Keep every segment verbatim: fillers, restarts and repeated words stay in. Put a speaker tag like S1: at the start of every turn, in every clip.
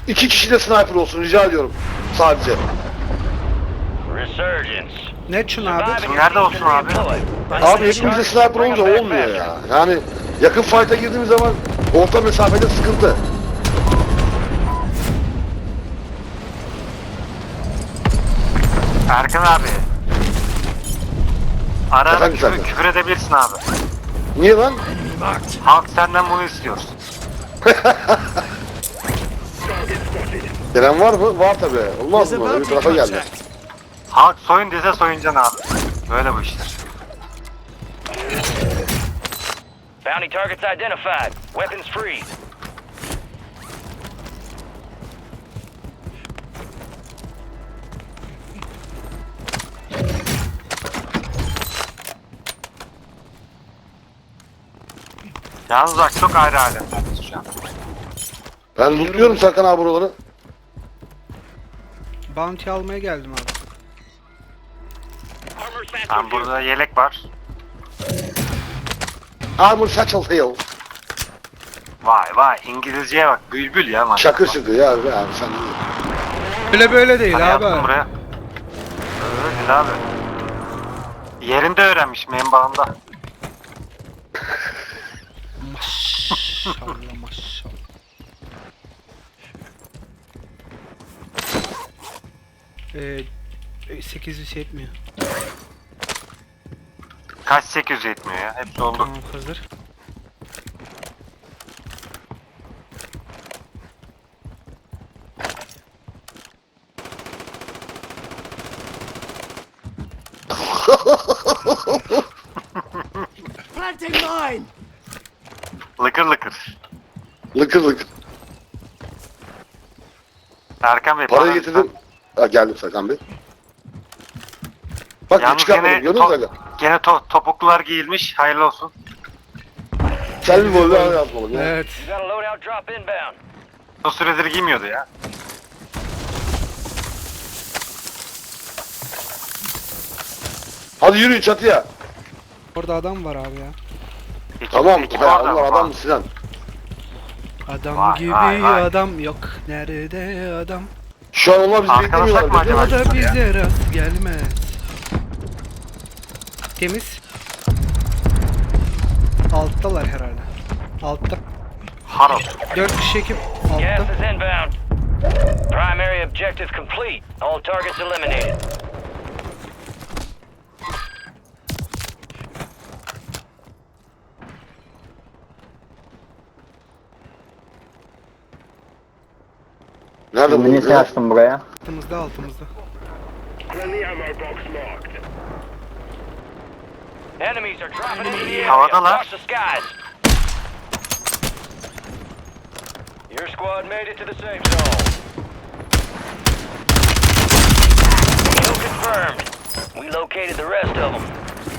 S1: İki kişi de sniper olsun rica ediyorum. Sadece.
S2: Resurgence.
S3: Ne için abi?
S4: Nerede olsun abi?
S1: Abi hepimizde sniper olunca olmuyor ya. Yani yakın fight'a girdiğimiz zaman orta mesafede sıkıntı.
S4: Erkan abi. Ara ara
S1: Efendim
S4: küfür,
S1: sen de.
S4: küfür edebilirsin abi.
S1: Niye lan?
S4: Halk senden bunu istiyor.
S1: Gelen var mı? Var tabi. Olmaz mı? Öbür tarafa geldi.
S4: Halk soyun dese soyuncan abi. Böyle bu işler.
S2: Bounty targets identified. Weapons free.
S4: Yalnız bak çok ayrı alemlerdeyiz şu an.
S1: Ben lootluyorum Serkan abi buraları.
S3: Bounty almaya geldim abi.
S4: Ben burada yelek var.
S1: Armor satchel hill.
S4: Vay vay İngilizceye bak. Bülbül ya maşallah.
S1: Şakır şıkır ya abi sen iyi.
S3: Öyle böyle değil
S4: Hani
S3: abi.
S4: yaptım buraya. Öyle değil abi. Yerinde öğrenmişim en bağımda.
S3: Maşallah maşallah. Ee, sekiz yüz yetmiyor.
S4: Kaç sekiz yüz yetmiyor ya. Hepsi oldu.
S3: Tamam hazır.
S5: Planting mine!
S4: Lıkır lıkır.
S1: Lıkır lıkır.
S4: Erkan Bey
S1: Parayı
S4: para-
S1: getirdim. Ha, geldim Serkan Bey. Bak ne
S4: Yalnız
S1: çıkartmadım
S4: gene,
S1: gördün mü
S4: to-
S1: Serkan?
S4: gene to- topuklular giyilmiş. Hayırlı olsun.
S1: Sen bir volü yazmalım ya.
S3: Evet.
S2: You got a loadout drop inbound.
S4: O süredir giymiyordu ya.
S1: Hadi yürüyün çatıya.
S3: Orada adam var abi ya.
S4: Ekip,
S1: Tamam.
S4: ekip
S1: Ha,
S4: orada
S1: Allah
S4: mı?
S1: adam mı Sinan?
S3: Adam
S4: Vay,
S3: gibi
S4: vay, vay.
S3: adam yok. Nerede adam?
S1: Şu an onlar bizi
S4: Arkalasak mı
S1: beklemiyorlar.
S4: acaba?
S3: O da bize rast gelmez. Temiz. Alttalar herhalde. Altta.
S4: Harot.
S3: Dört kişi ekip
S2: Gas
S3: altta.
S2: is inbound. Primary objective complete. All targets eliminated.
S1: Nerede bu?
S6: Minisi açtım buraya.
S3: Altımızda altımızda.
S2: Enemies are dropping into the area.
S4: Havadalar.
S2: Watch the skies. Your squad made it to the safe zone. Kill confirmed. We located the rest of them.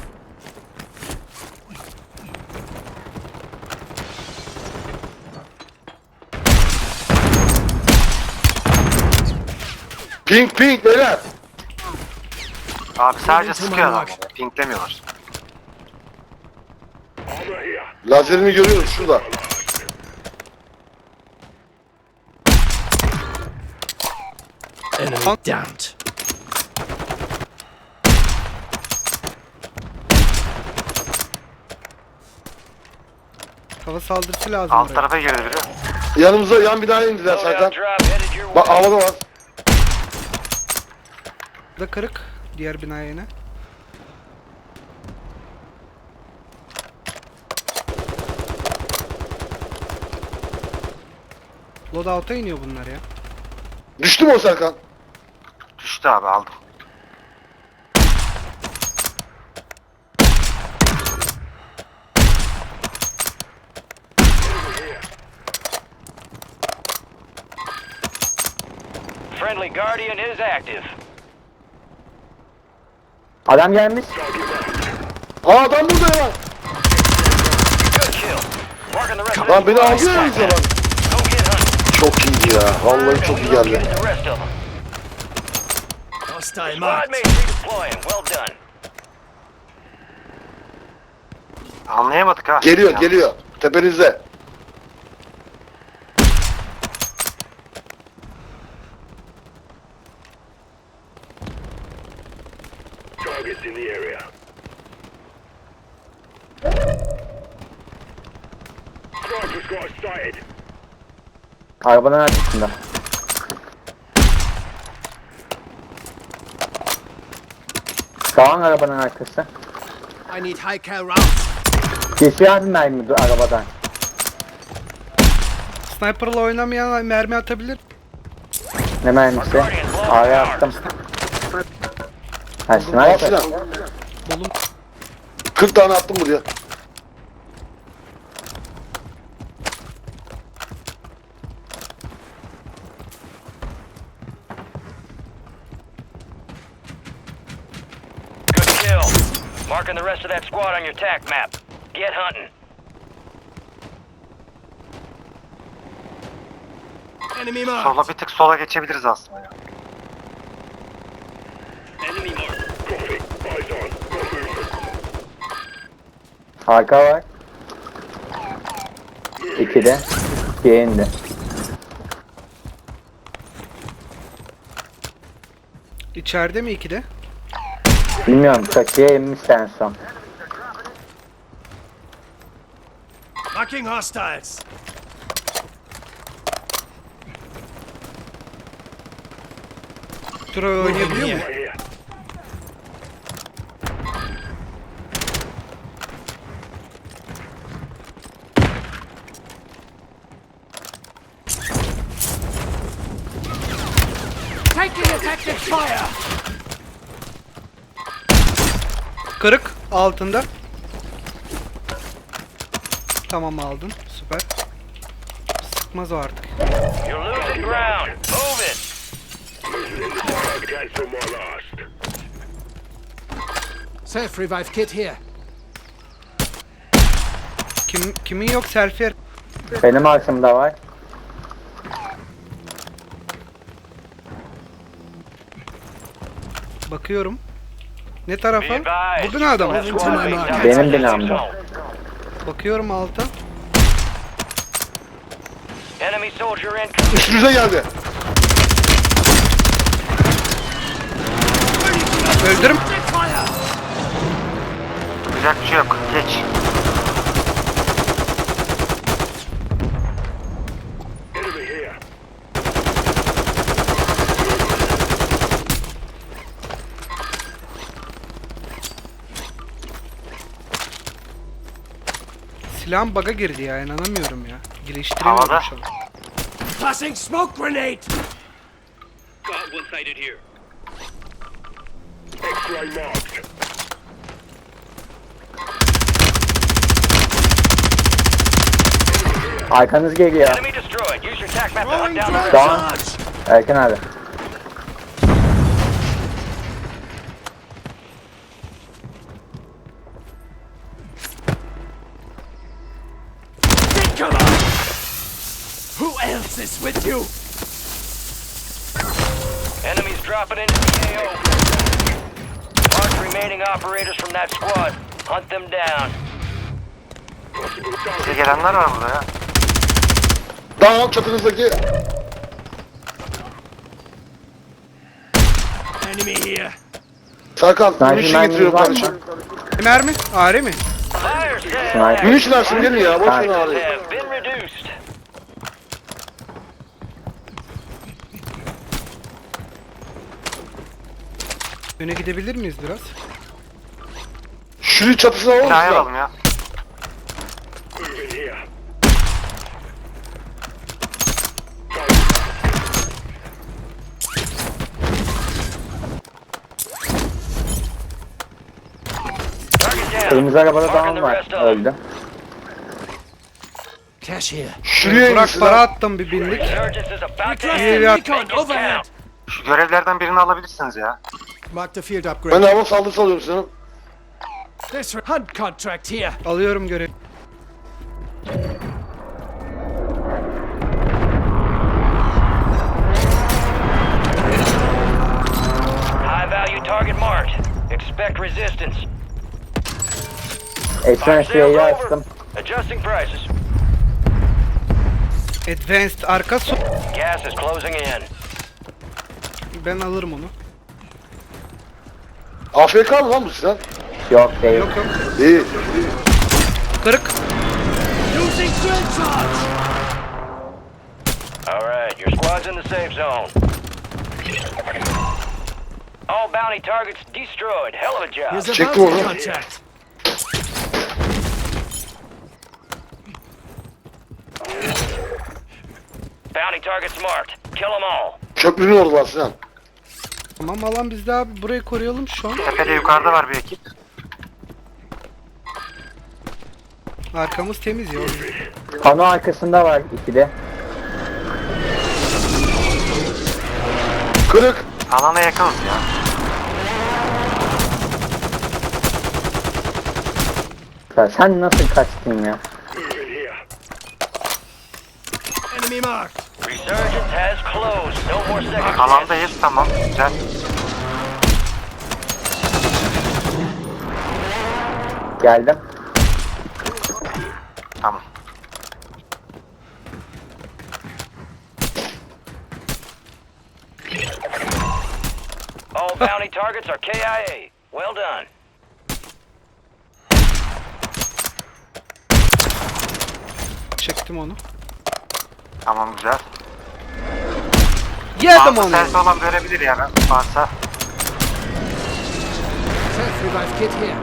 S1: Pink pink beyler.
S4: Abi sadece sıkıyor adamlar. Pinklemiyorlar.
S1: Lazerini görüyoruz şurada.
S5: Enemy downed.
S3: Hava saldırısı lazım
S4: Alt
S3: buraya.
S4: tarafa girdi biri.
S1: Yanımıza yan binaya indiler Serkan.
S2: Loadout drop headed your
S1: Bak
S2: way.
S1: havada var.
S3: Da kırık. Diğer binaya yine. Loadout'a iniyor bunlar ya.
S1: Düştü mü o Serkan?
S4: Düştü abi aldım.
S2: Friendly Guardian is active.
S6: Adam gelmiş.
S1: Aa adam burada ya.
S2: Good kill. Marking the rest of
S1: Lan beni
S2: the
S1: alıyor ya bize lan.
S2: Go get hunting.
S1: Çok iyi ya. Vallahi çok iyi geldi.
S2: Get the rest of them.
S5: Hostile
S2: Squad
S5: marked.
S2: mates redeploying. Well done.
S4: Anlayamadık ha.
S1: Geliyor
S4: Ya.
S1: geliyor. Tepenizde.
S7: targets in the area. Sniper's got us sighted.
S6: Arabanın arkasında. Kalan arabanın arkası.
S5: I need high cal rounds.
S6: Geçiyor abi mermi dur arabadan.
S3: Sniper'la oynamayan mermi atabilir.
S6: Ne mermisi? Araya attım. Ha
S1: Al
S6: sniper.
S1: Sinan.
S3: Bolum.
S1: kırk tane attım buraya.
S2: Good kill. Marking the rest of that squad on your tac map. Get hunting.
S5: Enemy
S4: Sola
S5: marked.
S4: bir tık sola geçebiliriz aslında ya.
S7: Enemy mark. Copy. Eyes on. Got movement.
S6: Arka var. İkide. İkiye indi.
S3: İçeride mi ikide?
S6: Bilmiyorum kaçıya inmiş en son.
S5: Marking hostiles.
S3: Şuraya oynayabiliyor mu?
S7: Right here.
S5: Taking effective fire.
S3: Kırık altında. Tamam aldın. Süper. Sıkmaz o artık.
S2: You're losing ground. Move it.
S7: Cancel my last.
S5: Self revive kit here.
S3: Kim kimin yok selfie?
S6: Benim arkamda var.
S3: Bakıyorum. Ne
S2: Be
S3: tarafa?
S2: advised.
S3: Burada ne adam?
S2: That squad
S5: Benim
S2: mate's out
S6: Benim
S2: in the
S6: binamda.
S2: zone.
S3: Bakıyorum alta.
S2: Enemy soldier in.
S1: Üstünüze geldi.
S3: Öldürüm.
S5: Fire.
S4: Yapacak bir şey yok. Geç.
S7: Enemy here.
S3: Silahım bug'a girdi ya, inanamıyorum ya. Geliştiremiyorum
S4: Havada.
S3: şu an.
S5: Tossing smoke grenade.
S7: Got one sighted here. X-ray marked.
S6: Arkanız geliyor.
S2: Enemy destroyed. Use your tac map to hunt
S5: Throwing
S2: down the
S5: drone
S2: rest.
S6: Tamam.
S5: charge.
S6: Erken abi.
S5: Take cover. Who else is with you?
S2: Enemies dropping into the A O. Mark remaining operators from that squad. Hunt them down.
S4: Bize gelenler var burada ya.
S1: Tamam çatınızdaki.
S5: Enemy here.
S1: Serkan,
S6: Sniper
S1: munition
S6: merminiz
S1: getiriyorum
S6: var
S1: kardeşim.
S6: mı?
S3: Mermi? Are mi?
S2: Fire sale.
S6: Sniper.
S1: Munition açsın gelin ya, boş ver
S2: Prices
S1: abi.
S2: have been reduced.
S3: Öne gidebilir miyiz biraz?
S1: Şunun çatısına alalım
S4: Binaya
S1: Sinan.
S4: alalım ya.
S7: Moving here.
S2: Target down.
S6: Kırmızı arabada
S2: Marking
S6: down
S2: the
S6: var.
S2: rest of them.
S6: Öldü.
S5: Cash here.
S1: Şuraya inin
S3: Burak para
S1: Sinan.
S3: attım bir binlik.
S2: Resurgence is about to
S5: Requesting
S2: end.
S3: Yeah.
S5: recon
S2: Make it
S5: overhead.
S2: count.
S4: Şu görevlerden birini alabilirsiniz ya.
S5: Mark the field
S1: Ben
S5: upgrade.
S1: de hava saldırısı alıyorum Sinan.
S5: This hunt contract here.
S3: Alıyorum görev.
S2: High value target marked. Expect resistance.
S6: Ekran
S2: Fire
S6: şeyi
S2: sales
S6: açtım.
S2: over. Adjusting prices.
S3: Advanced arka su.
S2: Gas is closing in.
S3: Ben alırım onu.
S1: A F K mı lan bu Sinan?
S6: Yok değil.
S3: Yok yok.
S1: İyi.
S3: Kırık.
S5: Using drill charge!
S2: Alright, your squad's in the safe zone. All bounty targets destroyed. Hell of a job.
S5: Here's a
S1: Check
S5: bounty
S1: the order.
S5: contract.
S2: Bounty targets marked. Kill them all.
S1: Köprünün orada Sinan.
S3: Tamam alan bizde abi. Burayı koruyalım şu an.
S4: Tepede yukarıda var bir ekip.
S3: Arkamız temiz ya.
S6: Pano arkasında var ikide.
S1: Kırık.
S4: Alana yakınız ya.
S6: Ya sen nasıl kaçtın ya?
S5: Enemy marked.
S2: Resurgence has closed. No more second chances.
S4: Alandayız, tamam, güzel.
S6: Geldim.
S4: Tamam.
S2: All bounty targets are K I A. Well done.
S3: Çektim onu.
S4: Tamam, güzel.
S3: Yedim
S4: Bazı
S3: onu.
S4: sensi olan görebilir yani varsa.
S5: Self revive kit here.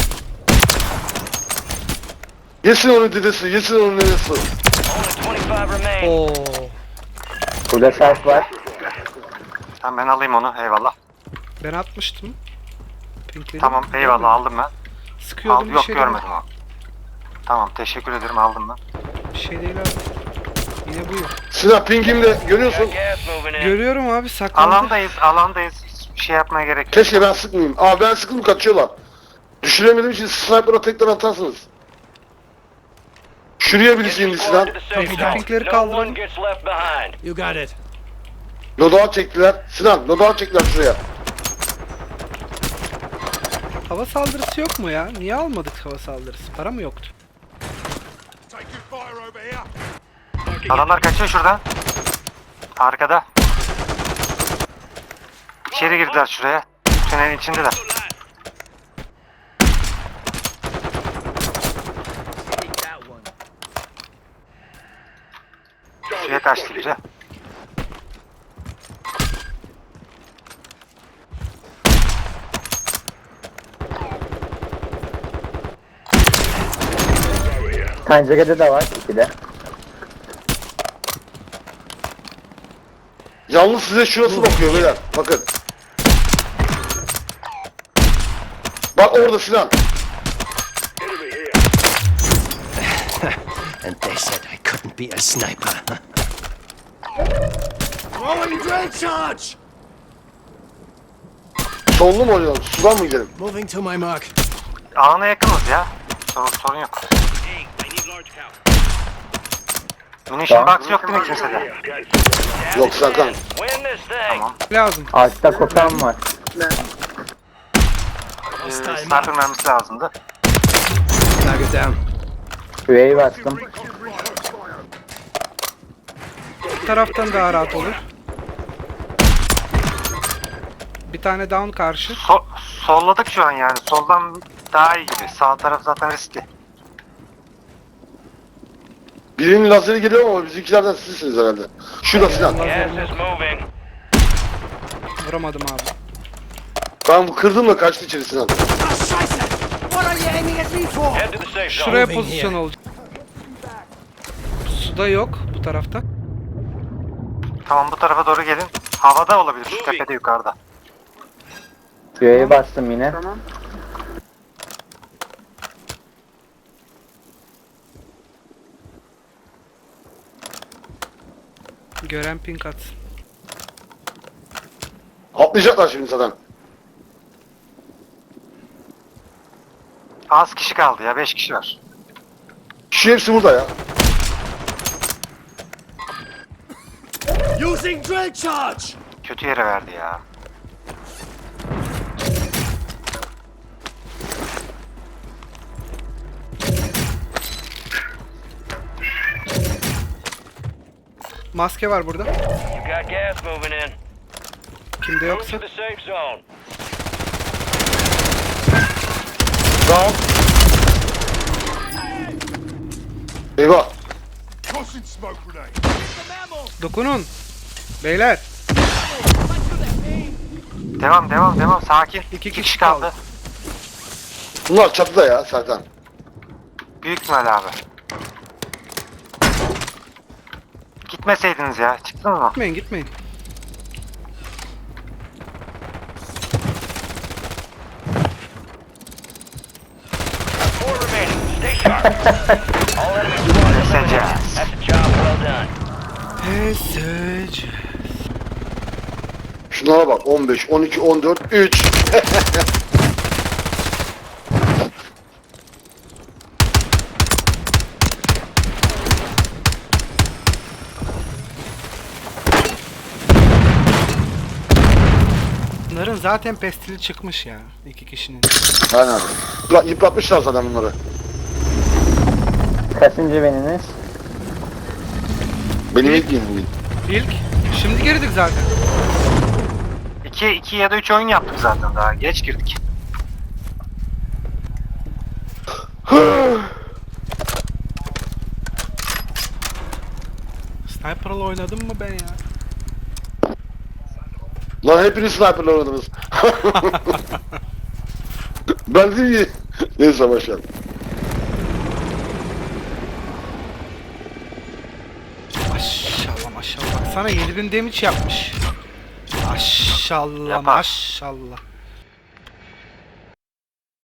S1: Yesin onun dedesi, yesin onun dedesi.
S2: Only twenty-five remain.
S3: Oo.
S6: Burada self var.
S4: Tamam, ben alayım onu, eyvallah.
S3: Ben atmıştım. Pinkleri.
S4: Tamam, eyvallah, aldım ben.
S3: Sıkıyordum
S4: Al,
S3: bir
S4: yok
S3: şey
S4: görmedim o. Tamam, teşekkür ederim, aldım ben.
S3: değil. Bir şey değil abi. Yine buyur.
S1: Sinan pingimle görüyorsun.
S2: Got gas moving in.
S3: Görüyorum abi saklandı.
S4: Alandayız, alandayız. Hiçbir şey yapmaya gerek yok.
S1: Keşke ben sıkmayayım. Aa ben sıkıldım kaçıyorlar. Düşüremediğim için sniper'a tekrar atarsınız. Şuraya birisi indi Sinan.
S2: To the safe
S3: Tamam,
S2: zone.
S3: pinkleri
S2: No
S3: kaldırın.
S2: one gets left behind.
S5: You got it.
S1: Loadout çektiler. Sinan loadout çektiler şuraya.
S3: Hava saldırısı yok mu ya? Niye almadık hava saldırısı? Para mı yoktu?
S7: Taking fire over here.
S4: Adamlar kaçıyor şuradan. Arkada. İçeri girdiler şuraya. Tünelin içindeler. Şuraya kaçtı biri.
S6: Pencerede de var ikide.
S1: Yalnız size şurası bakıyor beyler. Bakın. Bak orada Sinan.
S7: Enemy here.
S5: And they said I couldn't be a sniper. Throwing drill charge!
S1: Sollu mu oynayalım? Sudan mı gidelim?
S5: Moving to my mark.
S4: Alana yakınız ya. Sorun, sorun yok. Munition box yok değil mi kimsede?
S1: Yok Serkan.
S2: Win this thing.
S4: Tamam.
S3: Lazım.
S6: Altta kopan var.
S4: Ee, sniper mermisi lazımdı.
S5: Target down.
S6: Üyeyi bastım.
S3: Bu taraftan daha rahat olur. Bir tane down karşı.
S4: So solladık şu an yani. Soldan daha iyi gibi. Sağ taraf zaten riskli.
S1: Birinin lazeri geliyor ama bizimkilerden sizsiniz herhalde. Şurada Sinan.
S2: Gas is moving.
S3: Vuramadım abi.
S1: Ben bu kırdım da kaçtı içeri Sinan.
S5: Ah, Scheiße! What are you aiming at me for?
S2: Head to the safe zone.
S3: Şuraya
S5: Moving
S3: pozisyon
S5: here.
S3: olacak. Suda yok bu tarafta.
S4: Tamam, bu tarafa doğru gelin. Havada olabilir şu tepede yukarıda.
S6: Üyeyi bastım yine.
S3: Gören pink atsın.
S1: Atlayacaklar şimdi zaten.
S4: Az kişi kaldı ya. Beş kişi var.
S1: Şu hepsi burada ya.
S5: Using drill charge!
S4: Kötü yere verdi ya.
S3: Maske var burada.
S2: You got gas moving in.
S3: Kimde
S2: Move
S3: yoksa.
S2: to the safe zone.
S1: Sağ ol. Eyvah.
S7: Tossing smoke grenade.
S3: Dokunun. Beyler.
S4: Devam devam devam sakin.
S3: İki
S4: İki
S3: kişi kaldı.
S1: Bunlar çatıda ya Serkan.
S4: Büyük ihtimal abi. Gitmeseydiniz ya. Çıktın mı?
S3: Gitmeyin gitmeyin.
S2: Four remaining. Stay sharp. All enemy squads eliminated. That's a job well done.
S3: Pesaj.
S1: Şunlara bak on beş, on iki, on dört, üç.
S3: Bunların zaten pestili çıkmış ya. İki kişinin.
S1: Aynen. Yıpra- Yıpratmışlar zaten bunları.
S6: Kaçıncı beniniz?
S1: Benim ilk yiyeyim bugün.
S3: İlk. Şimdi girdik zaten.
S4: iki, iki ya da üç oyun yaptık zaten daha. Geç girdik.
S3: Sniper'la oynadım mı ben ya?
S1: Lan hepiniz sniper'la oynadınız. Ben değil mi? Neyse başlayalım.
S3: Maşallah maşallah. Sana yedi bin damage yapmış. Maşallah
S4: Yapar.
S3: maşallah.